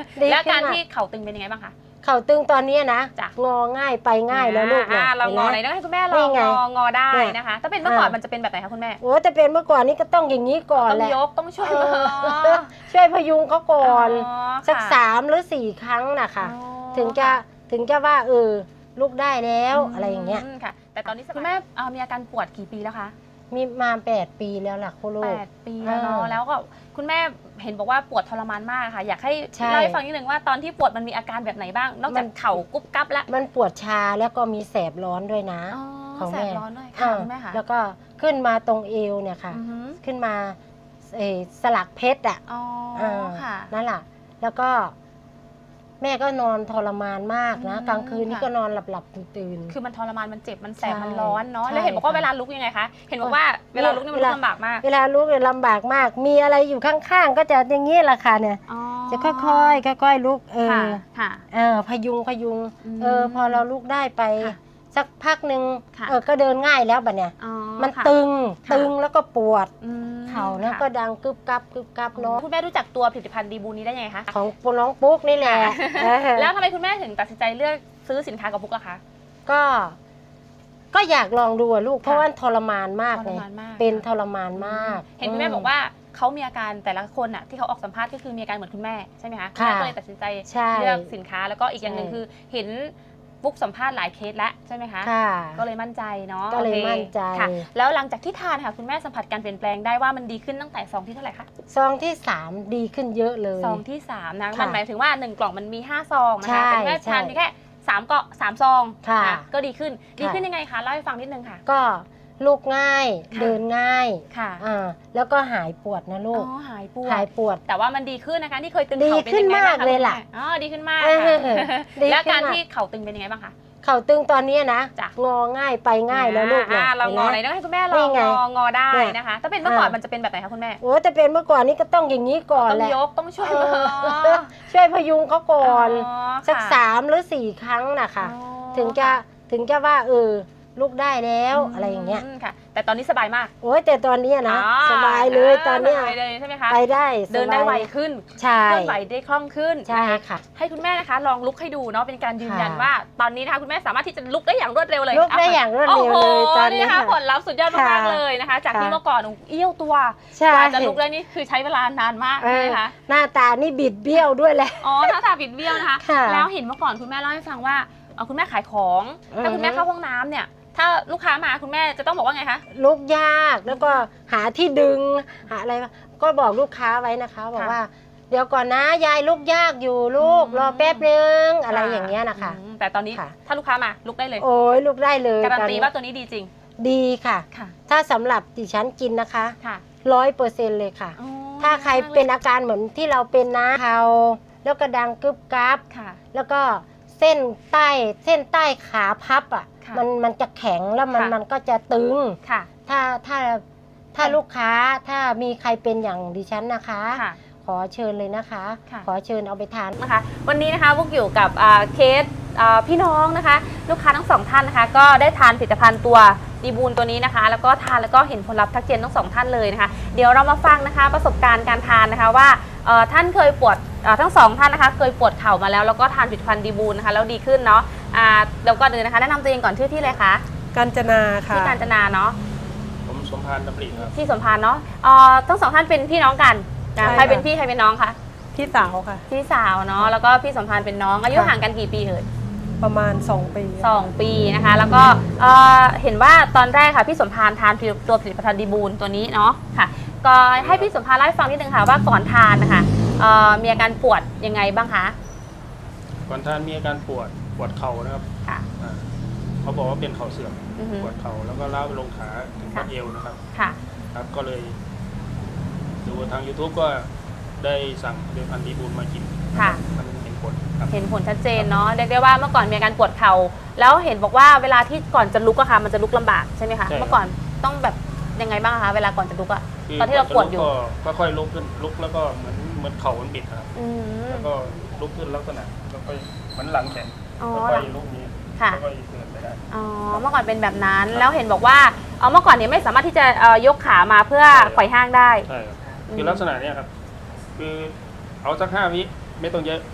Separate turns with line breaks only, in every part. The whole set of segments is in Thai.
แล้วการที่เข่าตึงเป็นยังไงบ้างคะ
เข่าตึงตอนนี้นะงอง่ายไปง่ายแล้วลูกเนี่ย
เรางอไหนต้องให้คุณแม่ลองงอได้นะคะถ้าเป็นเมื่อก่อนมันจะเป็นแบบไหนคะคุณแม่
โอ้แต่เป็นเมื่อก่อนนี้ก็ต้องอย่างนี้ก่อนแหละ
ต้องยกต้องช่วย
ช่วยพยุงเขาก่อนสัก3 หรือ 4 ครั้งนะคะถึงจะว่าลูกได้แล้วอะไรอย่างเงี้ย
ค่ะแต่ตอนนี้คุณแม่มีอาการปวดกี่ปีแล้วคะ
มีมา8 ปีแล้วล่ะคุณลูก
8 ปีแล้วเนาะแล้วก็คุณแม่เห็นบอกว่าปวดทรมานมากค่ะอยากให้เล่าให้ฟังนิดนึงว่าตอนที่ปวดมันมีอาการแบบไหนบ้างนอกจากเข่ากุ๊บกั๊บแล้ว
มันปวดชาแล้วก็มีแสบร้อนด้วยนะ
แสบร้อนด้วยค่ะคุณแม่ค่ะ
แล้วก็ขึ้นมาตรงเอวเนี่ยค่ะขึ้นมาสลักเพชรอ่ะนั่นแหละแล้วก็แม่ก็นอนทรมานมากนะกลางคืนนี่ก็นอนหลับตื่น
คือมันทรมานมันเจ็บมันแสบมันร้อนเนาะแล้วเห็นบอกว่าเวลาลุกยังไงคะเห็นบอกว่าเวลาลุกนี่มันลำบากมาก
เวลาลุกเนี่ยลำบากมากมีอะไรอยู่ข้างๆก็จะอย่างนี้แหละค่ะเนี่ยจะค่อยๆลุกพยุงพอเราลุกได้ไปสักพักหนึ่งก็เดินง่ายแล้วบัดเนี่ยมันตึงแล้วก็ปวดเข่าแล้วก็ดังกึบกับเนาะ
คุณแม่รู้จักตัวผลิตภัณฑ์ดีบูนี้ได้ยังไงคะ
ของน้องปุ๊กนี่แหละ
แล้วทำไมคุณแม่ถึงตัดสินใจเลือกซื้อสินค้ากับปุ๊กล่ะคะ
ก็อยากลองดูลูกเพราะว่าทรมานมากเลยเป็นทรมานมาก
เห็นคุณแม่บอกว่าเขามีอาการแต่ละคนอ่ะที่เขาออกสัมภาษณ์ก็คือมีอาการเหมือนคุณแม่ใช่ไหมคะคุณแม่ก็เลยตัดสินใจเลือกสินค้าแล้วก็อีกอย่างหนึ่งคือเห็นปุ๊กสัมภาษณ์หลายเคสแล้วใช่ไหมคะก็เลยมั่นใจเนาะ
ก็เลยมั่นใจ
ค่ะแล้วหลังจากที่ทานค่ะคุณแม่สัมผัสการเปลี่ยนแปลงได้ว่ามันดีขึ้นตั้งแต่ซองที่เท่าไหร่คะ
ซองที่3ดีขึ้นเยอะเลย
ซองที่3นะมันหมายถึงว่า1 กล่องมันมี5 ซองนะคะแต่แม่ทานแค่3 ซองก็ดีขึ้นยังไงคะเล่าให้ฟังนิดนึงค่ะ
ก็ลูกง่ายเดินง่ายค่ะแล้วก็หายปวดนะลูก
หายปวดแต่ว่ามันดีขึ้นนะคะที่เคยตึง
เข่าเป็นยังไงบ้างคะดีขึ้นมากเลยล่ะ
ดีขึ้นมากแล้วการที่เข่าตึงเป็นยังไงบ้างคะ
เข่าตึงตอนนี้นะงอง่ายไปง่ายแล้วลูก
เรางอไหนต้องให้คุณแม่ลองงอได้นะคะถ้าเป็นเมื่อก่อนมันจะเป็นแบบไหนคะคุณแม่
โอ้แต่เป็นเมื่อก่อนนี้ก็ต้องอย่างนี้ก่อนแหละ
ต้องยกต้องช่
วยพยุงเขาก่อนสัก3 หรือ 4 ครั้งนะคะถึงจะว่าลูกได้แล้วอะไรอย่างเงี้ย
ค่ะแต่ตอนนี้สบายมาก
โอ้ยแต่ตอนนี้นะสบายเลยตอนนี้
ใช่ไหมคะ
ไปได้
เดินได้ไวขึ้น
ใช่
เคลื่อนไหวได้คล่องขึ้น
ใช่ค่ะ
ให้คุณแม่นะคะลองลุกให้ดูเนาะเป็นการยืนยันว่าตอนนี้นะคะคุณแม่สามารถที่จะลุกได้อย่างรวดเร็วเลย
ลุกได้อย่างรวดเร็วเลยตอนนี้
นะคะผลลัพธ์สุดยอดมากเลยนะคะจากที่เมื่อก่อนเอี้ยวตัวกว่าจะลุกได้นี่คือใช้เวลานานมากนะคะ
หน้าตานี่บิดเบี้ยวด้วยแหละ
หน้าตาบิดเบี้ยวนะคะแล้วเห็นเมื่อก่อนคุณแม่เล่าให้ฟังว่าคุณแม่ขายของถ้าคุณแม่เข้าห้องน้ำเนี่ยถ้าลูกค้ามาคุณแม่จะต้องบอกว่าไงคะ
ลุกยากแล้วก็หาที่ดึงหาอะไรก็บอกลูกค้าไว้นะคะบอกว่าเดี๋ยวก่อนนะยายลุกยากอยู่ลูกรอแป๊บนึงอะไรอย่างเงี้ยนะคะ
แต่ตอนนี้ถ้าลูกค้ามาลุกได้เลย
โอ้ยลุกได้เลย
การันตีว่าตัวนี้ดีจริง
ดีค่ะถ้าสำหรับดิฉันกินนะคะ100%เลยค่ะถ้าใครเป็นอาการเหมือนที่เราเป็นนะเขาแล้วก็ดังกึบกับแล้วก็เส้นใต้ขาพับอ่ะมันจะแข็งแล้วมันก็จะตึงถ้าลูกค้าถ้ามีใครเป็นอย่างดิฉันนะคะขอเชิญเลยนะคะขอเชิญเอาไปทาน
นะคะวันนี้นะคะพวกอยู่กับเคสพี่น้องนะคะลูกค้าทั้ง2 ท่านนะคะก็ได้ทานผลิตภัณฑ์ตัวดีบูนตัวนี้นะคะแล้วก็ทานแล้วก็เห็นผลลัพธ์ทักเจนทั้ง2 ท่านเลยนะคะเดี๋ยวเรามาฟังนะคะประสบการณ์การทานนะคะว่าท่านเคยปวดทั้ง2 ท่านนะคะเคยปวดเข่ามาแล้วก็ทานผลิตภัณฑ์ดีบูนนะคะแล้วดีขึ้นเนาะเดี๋ยวก่อนอื่นนะคะแนะนำตัวเองก่อนชื่อที่เลยคะ
กาญจนาค่ะ
ที่กาญจนาเนาะ
ผมสมพานดำริครับ
ที่สมพานเนาะทั้ง2 ท่านเป็นพี่น้องกันใครเป็นพี่ใครเป็นน้องคะ
พี่สาวค่ะ
พี่สาวเนาะแล้วก็พี่สมพานเป็นน้องอายุห่างกันกี่ปีเอ่ย
ประมาณ2 ปี
2 ปีนะคะแล้วก็เห็นว่าตอนแรกค่ะพี่สมพานทานตัวผลิตภัณฑ์ดีบูนตัวนี้เนาะค่ะก็ให้พี่สมพานเล่าให้ฟังนิดนึงค่ะว่าก่อนทานนะคะมีอาการปวดยังไงบ้างคะ
ก่อนทานมีอาการปวดเข่านะครับเขาบอกว่าเป็นเข่าเสื่อมปวดเข่าแล้วก็ล้าวไปลงขาถึงข้อเอวนะครับครับก็เลยดูทาง YouTube ก็ได้สั่งผลิตภัณฑ์ดีบูนมากินมันเห็นผล
ชัดเจนเนาะเรียกได้ว่าเมื่อก่อนมีอาการปวดเข่าแล้วเห็นบอกว่าเวลาที่ก่อนจะลุกอะค่ะมันจะลุกลำบากใช่ไหมคะเมื่อก่อนต้องแบบยังไงบ้างคะเวลาก่อนจะลุกอะตอนที่เราปวดอยู่
ก็ค่อยลุกขึ้นลุกแล้วก็เหมือนเข่ามันบิดครับแล้วก็ลุกขึ้นลักษณะแล้วก็เหมือนหลังแข็งแล้วก็ลุกนี้แล้วก็เดินไปได้
เมื่อก่อนเป็นแบบนั้นแล้วเห็นบอกว่าเมื่อก่อนเนี่ยไม่สามารถที่จะยกขามาเพื่อไขว่ห้างได้
ใช่ครับคือลักษณะนี้ครับคือเอาสัก5 วิไม่ต้องเยอะ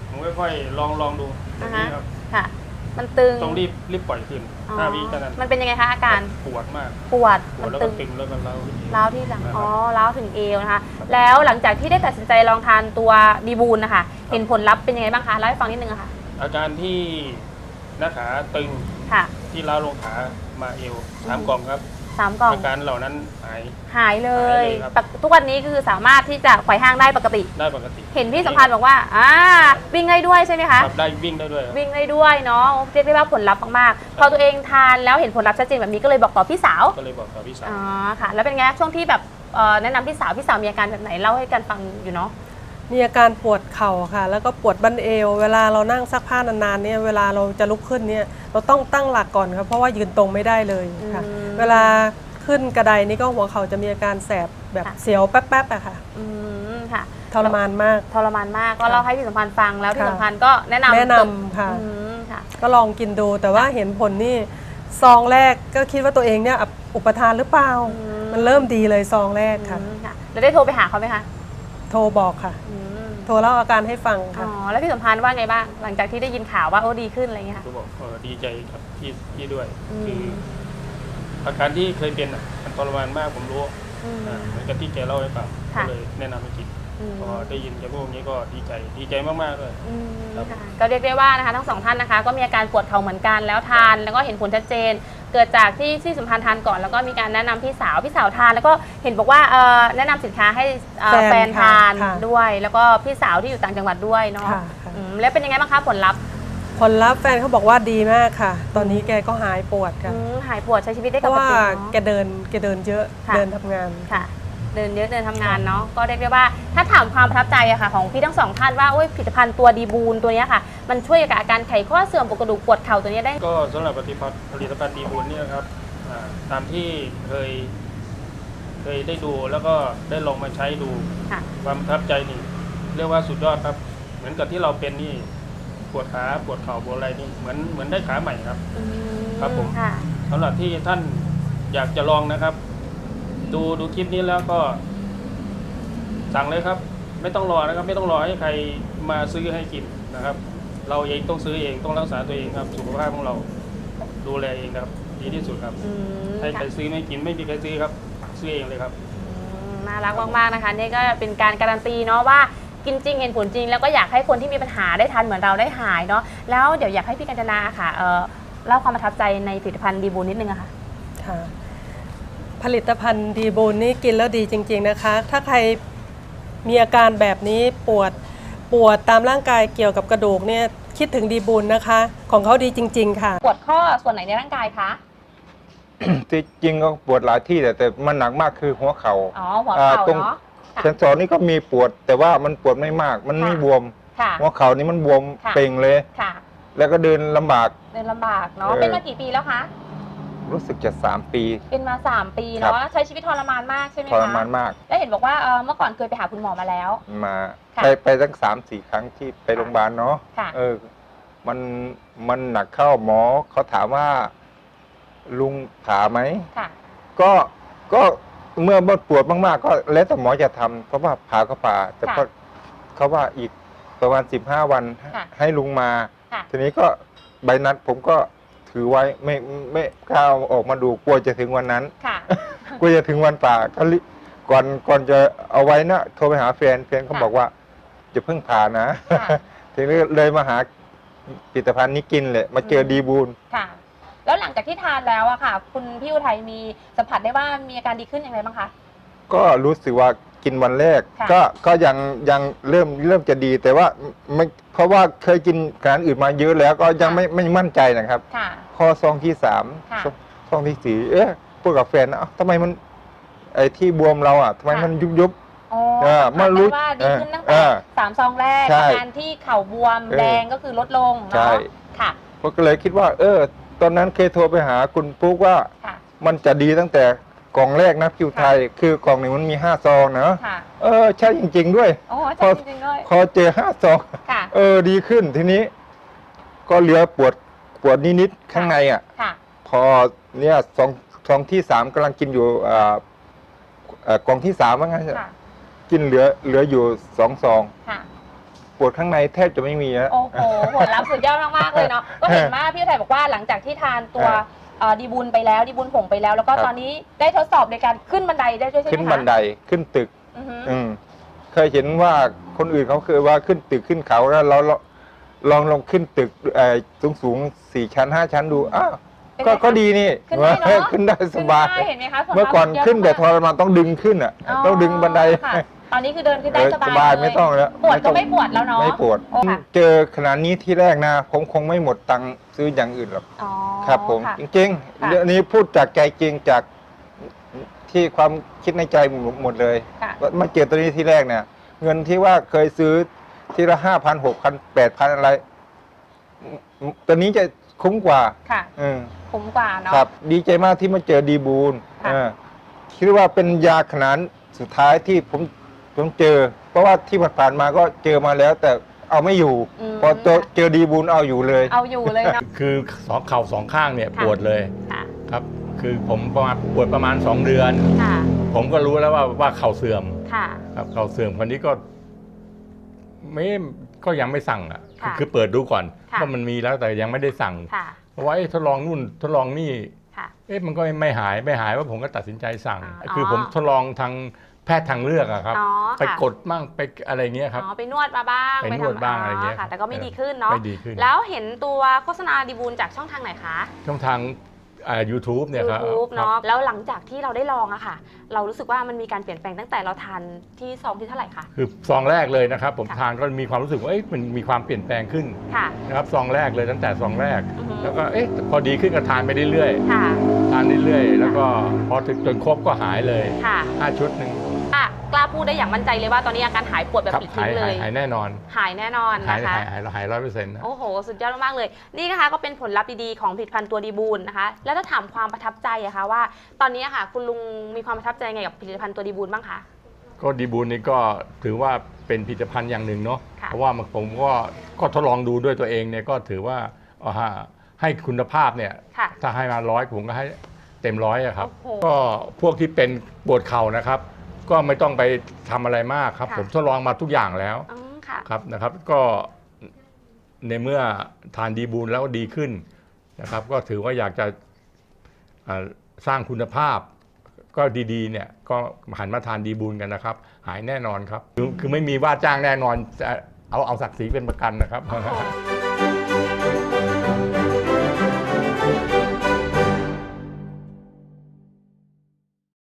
ผมค่อยๆลองดูอย่างนี้ครับ
ค่ะ มันตึง
ต้องรีบปล่อยขึ้น
อ๋อ
5 วิแค่นั้น
มันเป็นยังไงคะอาการ
ปวดมาก
ปวด
ปว
มั
ด
น
แล้ว
ตึ
ก็
ง
ตึงแล้วก็เล้าขึ้น
ร้าวที่หลัง
นะครับ
อ๋อร้าวถึงเอวนะคะ แล้วหลังจากที่ได้ตัดสินใจลองทานตัวดีบูลนะคะ เห็นผลลัพธ์เป็นยังไงบ้างคะเล่าให้ฟังนิดนึงอะค่ะ
อาการที่หน้าขาตึง
ค่ะ
ที่เล้าลงขามาเอว3 กล่องครับ
3 กล่อง
อาการเหล่านั้นหาย
หายเลย
หายเลยครับ
ทุกวันนี้คือสามารถที่จะไขว่ห้างได้ปกติ
ได้ปกติ
เห็นพี่สัมพันธ์บอกว่าวิ่งได้ด้วยใช่ไหมคะ
ครับได้วิ่งได้ด้วยครับ
วิ่งได้ด้วยเนาะเรียกได้ว่าผลลัพธ์มากๆ พอตัวเองทานแล้วเห็นผลลัพธ์ชัดเจนแบบนี้ก็เลยบอกต่อพี่สาว
ก็เลยบอกกับพี่สาว
อ๋อค่ะ แล้วเป็นไงช่วงที่แบบแนะนำพี่สาวมีอาการแบบไหนเล่าให้กันฟังอยู่เนาะ
มีอาการปวดเข่าค่ะ แล้วก็ปวดบั้นเอว เวลาเรานั่งซักผ้านานๆเนี่ยเวลาเราจะลุกขึ้นเนี่ยเราต้องตั้งหลักก่อนครับเพราะว่ายืนตรงไม่ได้เลยค่ะ เวลาขึ้นกระไดนี่ก็หัวเข่าจะมีอาการแสบแบบเสียวแป๊บๆอะค่ะ
ค่ะ
ทรมานมาก
ทรมานมากก็เล่าให้พี่สัมพันธ์ฟังแล้วพี่
ค่ะ
สัมพันธ์ก็แนะนำ
ค่ะ
ค่ะ
ก็ลองกินดูแต่ว่าเห็นผลนี่ซองแรกก็คิดว่าตัวเองเนี่ยอุปทานหรือเปล่า มันเริ่มดีเลยซองแรกค่ะ
แล้วได้โทรไปหาเขาไหมคะ
โทรบอกค่ะ โทรเล่าอาการให้ฟัง
อ๋
ค่ะ
อแล้วพี่สัมพันธ์ว่าไงบ้างหลังจากที่ได้ยินข่าวว่าโอ้ดีขึ้นอะไรเงี้ยค่ะ
ก็บอกดีใจกับพี่ด้วย
อืม
คืออาการที่เคยเป็นมันทรมานมากผมรู้ เหมือนกับที่แกเล่าให้ฟังก็เลยแนะนำให้กินพอได้ยินแกพูดอย่างนี้ก็ดีใจมากๆเลย ครับ
ค่ะก็เรียกได้ว่านะคะทั้งสองท่านนะคะก็มีอาการปวดเข่าเหมือนกันแล้วทานแล้วก็เห็นผลชัดเจน เกิดจากที่สัมพันธ์ทานก่อนแล้วก็มีการแนะนำพี่สาวทานแล้วก็เห็นบอกว่าแนะนำสินค้าให้แฟนทาน
ค่ะ
ด้วย แล้วก็พี่สาวที่อยู่ต่างจังหวัดด้วยเนาะ
ค่ะ
แล้วเป็นยังไงบ้างคะผลลัพธ์
ผลลัพธ์แฟนเขาบอกว่าดีมากค่ะ ตอนนี้แกก็หายปวดค่ะ
หายปวดใช้ชีวิตได้
เพ
ป
ราะ
ก
ว่า
ติ
แก
เนาะ
เดินเยอะ
ค่ะ
เดินทำงาน
ค่ะ เดินเยอะเดินทำงานเนาะก็เรียกได้ว่าถ้าถามความประทับใจอะค่ะของพี่ทั้งสองท่านว่าผลิตภัณฑ์ตัวดีบูลตัวเนี้ยค่ะ มันช่วยกับอาการไขข้อเสื่อมปวดกระดูกปวดเข่าตัวเนี้ยได้
ก็สำหรับผลิตภัณฑ์ดีบุญเนี่ยนะครับตามที่เคยได้ดูแล้วก็ได้ลองมาใช้ดู
ค่ะ
ความประทับใจนี่เรียกว่าสุดยอดครับ เหมือนกับที่เราเป็นนี่ปวดขาปวดเข่าปวดอะไรนี่เหมือนได้ขาใหม่ครับ ครับผม
ค่ะ
สำหรับที่ท่านอยากจะลองนะครับ ดูคลิปนี้แล้วก็สั่งเลยครับ ไม่ต้องรอนะครับ ไม่ต้องรอให้ใครมาซื้อให้กินนะครับ เราเองต้องซื้อเองต้องรักษาตัวเองครับสุขภาพของเราดูแลเองครับ ดีที่สุดครับให้ใครซื้อไม่กินไม่มีใครซื้อครับซื้อเองเลยครับ
น่ารักมากๆนะคะนี่ก็เป็นการการันตีเนาะว่ากินจริงเห็นผลจริง แล้วก็อยากให้คนที่มีปัญหาได้ทานเหมือนเราได้หายเนาะแล้วเดี๋ยวอยากให้พี่กัญจนาค่ะเล่าความประทับใจในผลิตภัณฑ์ดีบูลนิดนึงอะค่ะ
ค่ะ ผลิตภัณฑ์ดีบูลนี่กินแล้วดีจริง ๆนะคะ ถ้าใครมีอาการแบบนี้ปวดตามร่างกายเกี่ยวกับกระดูกเนี่ยคิดถึงดีบูลนะคะ ของเขาดีจริง ๆ ค่ะ
ปวดข้อส่วนไหนในร่างกายคะ
ที่จริงก็ปวดหลายที่แต่มันหนักมากคือหัวเขา
อ๋อหัวเข่า
ตรง
เนาะค่ะ
เซนสอนนี่ก็มีปวด แต่ว่ามันปวดไม่มาก มันไม่
ค่ะ
บวม
ค่ะ
หัวเข่านี่มันบวม
ค่ะ
เป่งเลย
ค่ะ
แล้วก็เดินลำบาก
เดินลำบากเนาะ
เออ
เป็นมากี่ปีแล้วคะ
รู้สึกจะ3 ปี
เป็นมา3 ปี
ครั
เนาะ
บ
ใช้ชีวิตทรมานมากใช่ไหม
ท
คะ
รมานมาก
แล้วเห็นบอกว่าเมื่อก่อนเคยไปหาคุณหมอมาแล้ว
มา
ค่ะ
ไปตั้ง3-4 ครั้งที่ไปโรงพยาบาลเนาะ
ค่ะ
มันหนักเข้าหมอเขาถามว่าลุงผ่าไหม
ค่ะ
ก็เมื่อปวดมากๆก็แล้วแต่หมอจะทำเพราะว่าผ่าก็ผ่า แต่ก็เขาว่าอีกประมาณ15 วัน
ค่ะ
ให้ลุงมา
ค่ะ
ทีนี้ก็ใบนัดผมก็ถือไว้ไม่กล้าเอาออกมาดูกลัวจะถึงวันนั้น
ค่ะ
กลัวจะถึงวันผ่าก็ก่อนจะเอาไว้นะโทรไปหาแฟนเขา
ค่ะ
บอกว่าจะเพิ่งผ่านะ
ค่ะ
ทีนี้เลยมาหาผลิตภัณฑ์นี้กินเลยมาเจอดีบูล
ค่ะ แล้วหลังจากที่ทานแล้วอะค่ะ คุณพี่อุทัยมีสัมผัสได้ว่ามีอาการดีขึ้นอย่างไรบ้างคะ
ก็รู้สึกว่ากินวันแรก
ค่ะ
ก็ยังเริ่มจะดี แต่ว่าไม่เพราะว่าเคยกินอาหารอื่นมาเยอะแล้วก็ยังไม่มั่นใจนะครับ
ค่ะ
ข้อซองที่3
ค่ะ
ซองที่4พูดกับแฟนนะเอ้าทำไมมันไอ้ที่บวมเราอ่ะทำไมมันยุบ
อ๋อ
เมื่
สัมผัส
อรู้
ได้ว่าดีขึ้นตั้ง
เอ
แต่
อ
3 ซองแรก
ใช่
อาการที่เข่าบวมแดงก็คือลดลง
ใช่
เนาะค่ะ
ผมก็เลยคิดว่า ตอนนั้นเคยโทรไปหาคุณปุ๊กว่า
ค่ะ
มันจะดีตั้งแต่กล่องแรกนะคิวไทย คือกล่องหนึ่งมันมี5 ซองนะ
ค่ะ
ใช่จริง ๆ ด้วย
โอ้ใช่จริงๆด้วย
พอเจอ5 ซอง
ค่ะ
ดีขึ้นทีนี้ ก็เหลือปวดนิดๆข้างในอ่ะ
ค่ะ
พอเนี่ยซองที่3กำลังกินอยู่กล่องที่3ว่างั้น
ค่ะ
กินเหลืออยู่2 ซอง
ค่ะ
ปวดข้างในแทบจะไม่มีแล้ว
โอ้โหผลลัพธ์สุดยอดมากๆเลยเนาะก็เห็นว่าพี่อุทัยบอกว่าหลังจากที่ทานตัวดีบุญไปแล้วดีบุญผงไปแล้วแล้วก็
ครับ
ตอนนี้ได้ทดสอบในการขึ้นบันไดได้ด้วยใช่ไหมคะ
ขึ้นบันไดขึ้นตึก
อือฮึ
เคยเห็นว่าคนอื่นเขาเคยว่าขึ้นตึกขึ้นเขาแล้วเราลองขึ้นตึกสูง 4 ชั้น 5 ชั้นดูอ้าวก็ดีนี่
ขึ้นได้เนอะ
ขึ้นได้สบาย
ขึ้นได้เห็นไหมคะผลลัพธ์
เมื่อก่อน
สุดยด
ขึ้นแต่ท
มาก
รมานต้องดึงขึ้นอ่ะต้องดึงบันได
ค่ะตอนนี้คือเดินขึ้นได้ส
ส
บา
บาย ย
เลย
ไม่ต้องแล้ว
ปวดก็
ต้อง
ไม่ปวดแล้วเนาะ
ไม่ปวด
โอ้ค่ะ
เจอขนาดนี้ที่แรกนะผมคงไม่หมดตังค์ซื้ออย่างอื่นหรอก
อ๋อ
ครับผม
ค่ะ
จริง
ค่ะ
ๆเรื่องนี้พูดจากใจจริงจากที่ความคิดในใจหมดเลย
ค่ะ
มาเจอตัวนี้ที่แรกเนี่ย เงินที่ว่าเคยซื้อทีละ5,000 6,000 8,000อะไรตัวนี้จะคุ้มกว่า
ค่ะ
อืม
คุ้มกว่าเนาะ
ครับ ดีใจมากที่มาเจอดีบูล
ค่ะ
คิดว่าเป็นยาขนาดสุดท้ายที่ผมเจอ เพราะว่าที่ผ่านๆมาก็เจอมาแล้ว แต่เอาไม่อยู่ พอเจอดีบูลเอาอยู่เลย
เอาอยู่เลยเนาะ
คือเข่าสองข้างเนี่ย
ค่ะ
ปวดเลย
ค่ะ
ครับ คือผมปวดประมาณ 2 เดือน
ค่ะ
ผมก็รู้แล้วว่าเข่าเสื่อม
ค่ะ
ครับเข่าเสื่อมคนนี้ก็ก็ยังไม่สั่งอ่ะ
ค่ะ
คือเปิดดูก่อน
ค่ะ
ว่ามันมีแล้วแต่ยังไม่ได้สั่ง
ค่ะ
เพราะว่าทดลองนู่นทดลองนี่
ค่ะ
มันก็ไม่หายว่าผมก็ตัดสินใจสั่ง
อ๋อ
คือผมทดลองทางแพทย์ทางเลือกอะครับ
อ๋อ
ไป
ค่ะ
กดมั่งไปอะไรเงี้ยครับ
อ๋อไปนวดมาบ้าง
ไปนวดบ้างอะไรเงี้ย
ค่ะ แต่ก็ไม่ดีขึ้นเนาะ
ไม่ดีขึ้น
แล้วเห็นตัวโฆษณาดีบูลจากช่องทางไหนคะ
ช่องทางYouTube เนี่ยครับ
YouTube
ครับ
เนาะแล้วหลังจากที่เราได้ลองอะค่ะ เรารู้สึกว่ามันมีการเปลี่ยนแปลงตั้งแต่เราทานที่ซองที่เท่าไหร่คะ
คือซองแรกเลยนะครับ ผม
ค่ะ
ทานก็มีความรู้สึกว่ามันมีความเปลี่ยนแปลงขึ้น
ค่ะ
นะครับซองแรกเลยตั้งแต่ซองแรก
อือฮึ
แล้วก็พอดีขึ้นก็ทานไปเรื่อย
ค่ะ
ๆทานเรื่อยๆแล้วก็พอถึงจนครบก็หายเลย
ค่ะ
5 ชุดหนึ่ง
กล้าพูดได้อย่างมั่นใจเลยว่าตอนนี้อาการหายปวดแบบ
ครับ
ปลิดทิ้งเลย
หายแน่นอน
หายแน่นอน
หาย
นะคะ
100%นะ
โอ้โห สุดยอดมากๆเลย นี่นะคะก็เป็นผลลัพธ์ดีๆของผลิตภัณฑ์ตัวดีบูลนะคะ แล้วถ้าถามความประทับใจอะคะว่า ตอนนี้อะค่ะ คุณลุงมีความประทับใจไงกับผลิตภัณฑ์ตัวดีบูลบ้างคะ
ก็ดีบูลนี่ก็ถือว่าเป็นผลิตภัณฑ์อย่างหนึ่งเนาะ
ค่ะ
เพราะว่าผมก็ทดลองดูด้วยตัวเองเนี่ยก็ถือว่าให้คุณภาพเนี่ย
ค่ะ
ถ้าให้มา100ผมก็ให้เต็ม100อะครับ
โอ้โห
ก็พวกที่เป็นปวดเข่านะครับ ก็ไม่ต้องไปทำอะไรมากครับ
ค่ะ
ผมทดลองมาทุกอย่างแล้ว
อืมค่ะ
ครับนะครับ ก็ในเมื่อทานดีบูลแล้วดีขึ้นนะครับ ก็ถือว่าอยากจะสร้างคุณภาพ ก็ดีๆเนี่ยก็หันมาทานดีบูลกันนะครับ หายแน่นอนครับคือไม่มีว่าจ้างแน่นอนเอาศักดิ์ศรีเป็นประกันนะครับ
โอ้โห